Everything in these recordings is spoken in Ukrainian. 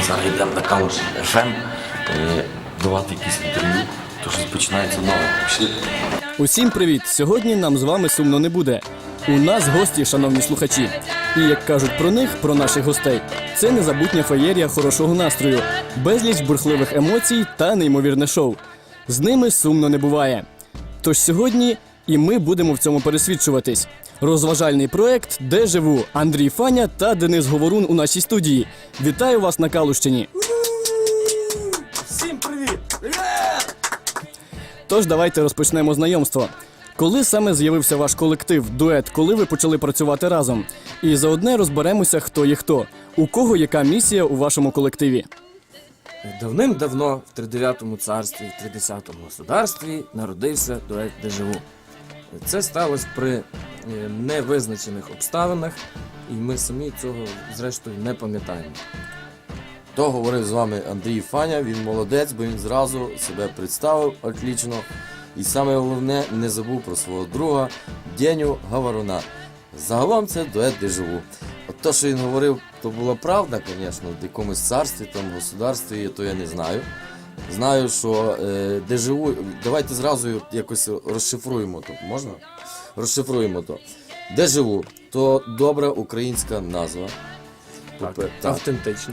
зараз йдемо на Калуш ФМ давати якісь інтерв'ю, то щось починається нове. Пішли. Усім привіт! Сьогодні нам з вами сумно не буде. У нас гості, шановні слухачі. І як кажуть про них, про наших гостей, це незабутня феєрія хорошого настрою, безліч бурхливих емоцій та неймовірне шоу. З ними сумно не буває. Тож сьогодні і ми будемо в цьому пересвідчуватись. Розважальний проект «Де живу» Андрій Фаня та Денис Говорун у нашій студії. Вітаю вас на Калущині! Всім привіт! Тож давайте розпочнемо знайомство. Коли саме з'явився ваш колектив, дует, коли ви почали працювати разом? І заодне розберемося, хто є хто. У кого яка місія у вашому колективі? Давним-давно в 39-му царстві, в 30-му государстві народився дует «Де живу». Це сталося при невизначених обставинах, і ми самі цього, зрештою, не пам'ятаємо. То говорив з вами Андрій Фаня, він молодець, бо він зразу себе представив отлично. І саме головне, не забув про свого друга Деню Говоруна. Загалом це дует «Де живу». От то, що він говорив, то була правда, звісно, в якомусь царстві, там, государстві, то я не знаю. Знаю, що «Де живу», давайте зразу якось розшифруємо то, можна? Розшифруємо то. «Де живу» – то добра українська назва. Так, автентично.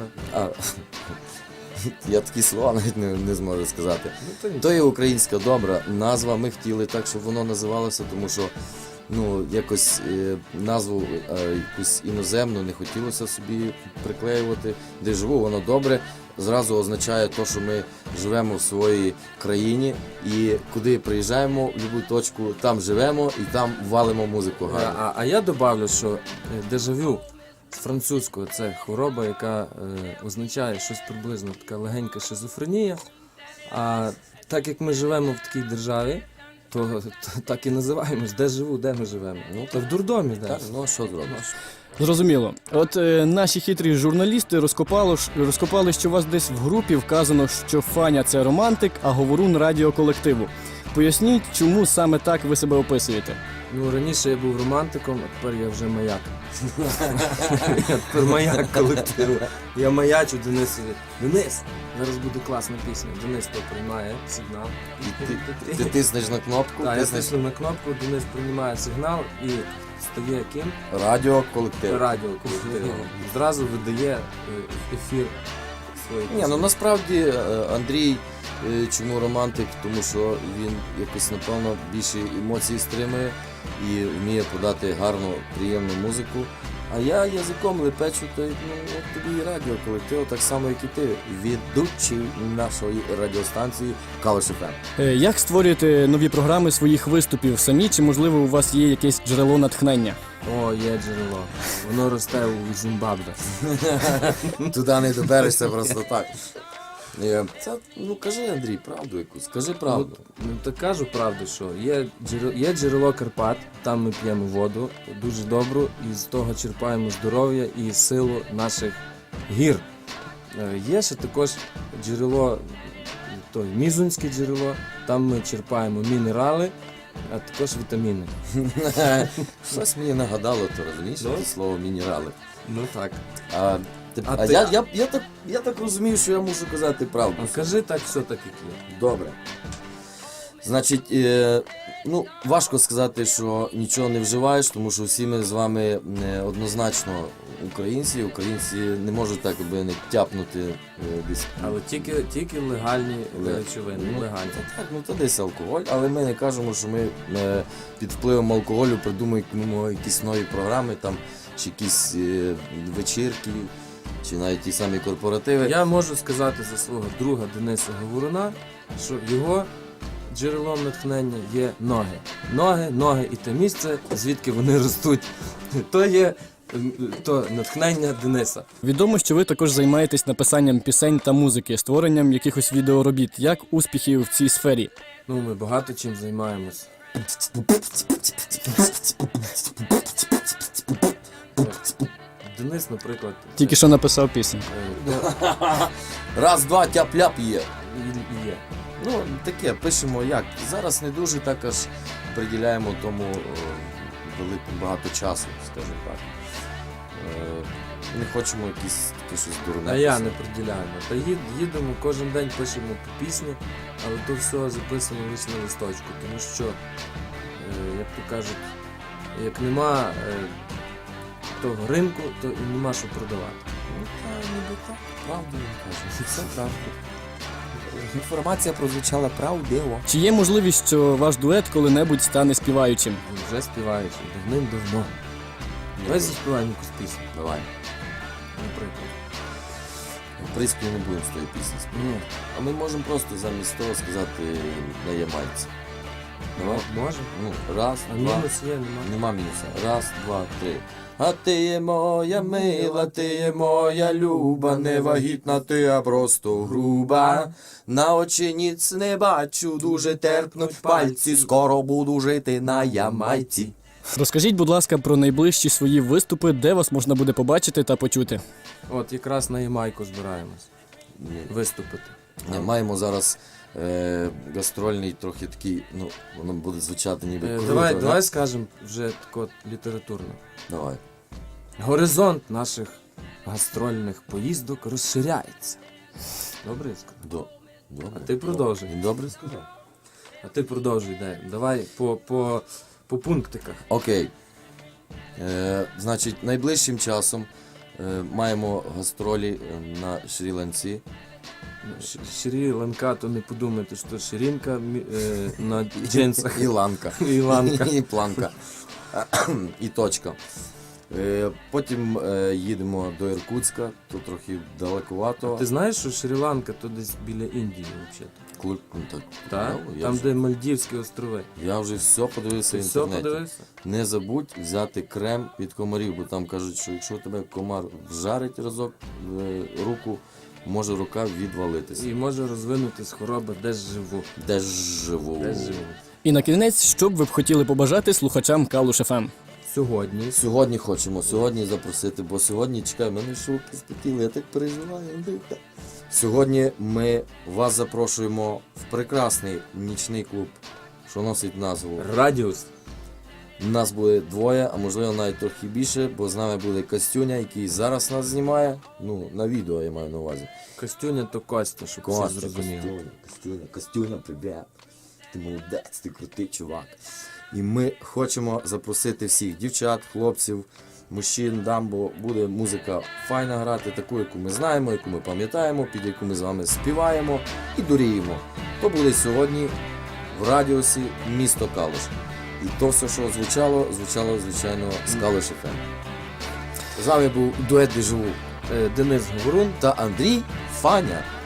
Я такі слова навіть не зможу сказати. То є українська добра назва. Ми хотіли так, щоб воно називалося, тому що якось назву якусь іноземну не хотілося собі приклеювати. Де живу, воно добре. Зразу означає те, що ми живемо в своїй країні і куди приїжджаємо, в будь-яку точку, там живемо і там валимо музику гарно. А я добавлю, що дежавю з французького це хвороба, яка означає щось приблизно така легенька шизофренія. А так як ми живемо в такій державі, то так і називаємось, де живу, де ми живемо. Ну, то в дурдомі, де. Так, ну що зробиш? Зрозуміло. От наші хитрі журналісти розкопали, що у вас десь в групі вказано, що Фаня – це романтик, а Говорун – радіоколективу. Поясніть, чому саме так ви себе описуєте? Ну, раніше я був романтиком, а тепер я вже маяк. Я тепер маяк колективу. Я маячу Денисові. Денис! Зараз буде класна пісня. Денис то приймає сигнал. Ти тиснеш на кнопку, Так, я тисну на кнопку, Денис приймає сигнал і стає ким? радіоколектив. Радіоколективом. Зразу видає ефір своєї Ні, ну насправді Андрій, чому романтик, тому що він якось, напевно, більше емоцій стримує і вміє подати гарну, приємну музику. А я язиком лепечу, то от тобі і радіоколектив, так само, як і ти, ведучий нашої радіостанції Калуш ФМ. Як створюєте нові програми своїх виступів самі, чи, можливо, у вас є якесь джерело натхнення? О, є джерело. Воно росте у Зімбабве. Туди не доберешся просто так. Це, кажи, Андрій, правду якусь, скажи правду. Ну, так кажу правду, що є джерело Карпат, там ми п'ємо воду, дуже добру, і з того черпаємо здоров'я і силу наших гір. Є ще також джерело, Мізунське джерело, там ми черпаємо мінерали, а також вітаміни. Щось мені нагадало, то розумієш, це слово мінерали. Ну так. Я так розумію, що я мушу казати правду. А кажи так, все так, як є. Добре. Значить, важко сказати, що нічого не вживаєш, тому що всі ми з вами однозначно українці. Українці не можуть так аби не тяпнути десь. Але тільки легальні речовини, легальні. Так, то десь алкоголь, але ми не кажемо, що ми під впливом алкоголю придумуємо якісь нові програми, там, чи якісь вечірки, чи навіть ті самі корпоративи. Я можу сказати за свого друга Дениса Говоруна, що його джерелом натхнення є ноги. Ноги і те місце, звідки вони ростуть. То є натхнення Дениса. Відомо, що ви також займаєтесь написанням пісень та музики, створенням якихось відеоробіт. Як успіхи в цій сфері? Ми багато чим займаємось. Денис, наприклад, Тільки що написав пісню. Раз, два, тяп-ляп є. Є. Таке, пишемо як. Зараз не дуже так аж приділяємо тому багато часу, скажімо так. не хочемо якісь таке щось дурне. А я писати. не приділяю. Та їдемо, кожен день пишемо по пісні, але то все записано лише на листочку, тому що, як то кажуть, як нема того ринку, то і нема що продавати. Ну, та, ніби так, правду він каже. Все правда. Інформація прозвучала правдиво. Чи є можливість, що ваш дует коли-небудь стане співаючим? Він вже співаючи, давним-давно. Давай заспіваємо якусь пісню, Давай. наприклад. В принципі, не будемо з тої пісні співати. Ні, А ми можемо просто замість того сказати на ямайці. Давай. може. Ну, раз, А два. мінус є, нема. Нема мінуса. Раз, два, три. А ти є моя мила, ти є моя люба, не вагітна ти, а просто груба. На очі ніц не бачу, дуже терпнуть пальці, скоро буду жити на Ямайці. Розкажіть, будь ласка, про найближчі свої виступи, де вас можна буде побачити та почути. От якраз на Ямайку збираємось виступити. Ні, маємо зараз гастрольний трохи такий, ну, воно буде звучати ніби круто. Давай, да? давай скажемо вже так от літературно. Давай. Горизонт наших гастрольних поїздок розширяється. Добре я сказав? Добре. А ти продовжуй. Він добре сказав. А ти продовжуй, дай. Давай по пунктиках. Окей. Значить, найближчим часом маємо гастролі на Шрі-Ланці. Шрі-Ланка, то не подумайте, що ширинка на джинсах. І ланка. І ланка. І планка. І точка. Потім їдемо до Іркутська, то трохи далекувато. Ти знаєш, що Шрі-Ланка то десь біля Індії взагалі? Так. Так? Ну, Там, де Мальдівські острови. Я вже все подивився Ти в все інтернеті. подивився? Не забудь взяти крем від комарів, бо там кажуть, що якщо тебе комар вжарить разок в руку, може рука відвалитися. І може розвинутись хвороба, де ж живу. Де ж живу? Де ж живу. І на кінець, що б ви б хотіли побажати слухачам Калуш ФМ? Сьогодні Сьогодні хочемо, сьогодні запросити, бо сьогодні, чекай, мене шубки спотіли, я так переживаю, Андрійка. Сьогодні ми вас запрошуємо в прекрасний нічний клуб, що носить назву. Радіус. Нас буде двоє, а можливо навіть трохи більше, бо з нами буде Костюня, який зараз нас знімає. Ну, на відео я маю на увазі. Костюня то Костя, щоб всі Костя, зрозуміли. Костюня, привіт. Ти молодець, ти крутий чувак. І ми хочемо запросити всіх дівчат, хлопців, мужчин, дам, бо буде музика файна грати, таку, яку ми знаємо, яку ми пам'ятаємо, під яку ми з вами співаємо і дуріємо. То буде сьогодні в радіусі місто Калуш. І то все, що звучало, звичайно, з Калуш ФМ. З вами був дует «Дежавю» Денис Говорун. та Андрій Фаня.